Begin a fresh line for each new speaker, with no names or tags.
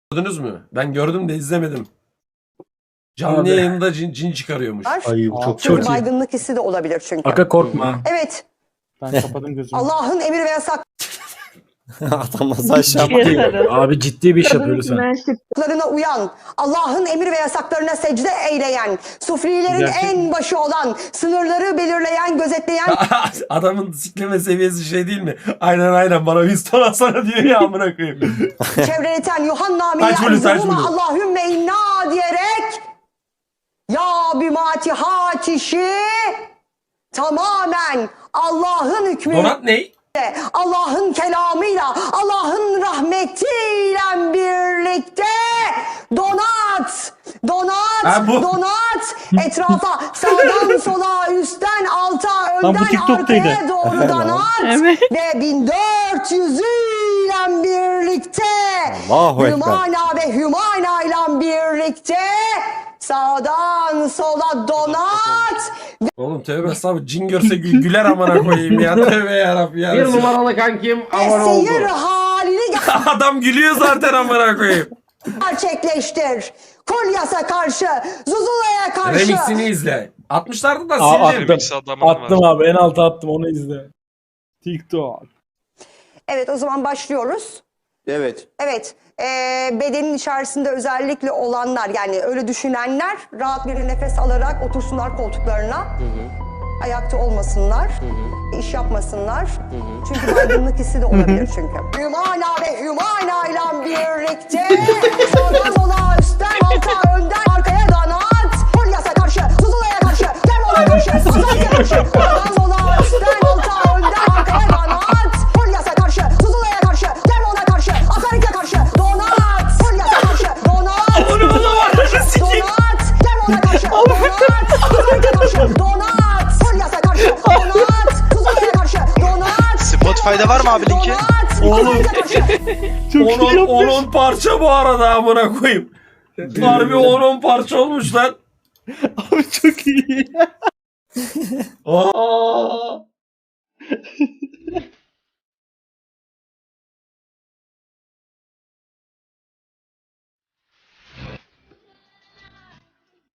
Gördünüz mü? Ben gördüm de izlemedim. Canlı yayında cin çıkarıyormuş.
Ay bu çok
Çok
iyi.
baygınlık hissi de olabilir çünkü.
Aga korkma.
Evet.
Ben kapadım gözümü.
Allah'ın emir ve
Adam nasıl aşağı
Abi ciddi bir iş yapıyor lütfen.
yasaklarına uyan, Allah'ın emir ve yasaklarına secde eyleyen, sufrilerin en başı olan, sınırları belirleyen, gözetleyen,
Adamın sikleme seviyesi şey değil mi? Aynen bana Winston alsana diyor ya amına koyayım.
çevreleten Yuhanna
Kaç bölüm, kaç bölüm?
Allahümme inna diyerek ya bimatihat işi tamamen Allah'ın hükmüyle,
Donat ne?
Allah'ın kelamıyla, Allah'ın rahmetiyle birlikte donat,
Ha, bu.
donat etrafa, sağdan sola, üstten alta,
Lan bu
önden
TikTok'taydı.
arkaya doğru donat ve 1400 ile birlikte
Allahu Ekber.
Hümana ve Hümana ile birlikte sağdan sola donat.
Oğlum tövbe estağfurullah, cin görse güler amına koyayım ya. Tövbe yarabbim ya.
Bir numaralı kankim abone oldu.
Seyir halini
Adam gülüyor zaten amına koyayım.
gerçekleştir. Kolyas'a karşı, Zuzula'ya karşı.
Remix'ini izle. 60'larda da
Aa,
sildi.
Attım abi en alta attım onu izle.
TikTok.
Evet, o zaman başlıyoruz.
Evet.
Evet, bedenin içerisinde özellikle olanlar, yani öyle düşünenler rahat bir nefes alarak otursunlar koltuklarına. Ayakta olmasınlar, iş yapmasınlar. Çünkü baygınlık hissi de olabilir çünkü. Hümana ve Hümana ile birlikte sağdan sola, üstten alta, önden arkaya donat. Kolyas'a karşı, Zuzula'ya karşı, Kermola karşı, Azay'a karşı. Sağdan sola, üstten alta, önden arkaya donat. Kolyas'a karşı, Zuzula'ya karşı, Kermola karşı, Azay'a karşı. Donat. Kolyas'a karşı, donat. Donat. Kermola karşı, donat. Azay'a karşı, donat. Kolyas'a karşı, donat. Zuzula'ya karşı, donat.
Spotify'da var mı abi linki?
Oğlum.
Çok iyi yapmış.
10 parça bu arada amına koyayım. Harbi 10 parça olmuş lan.
Abi çok iyi.
Aa.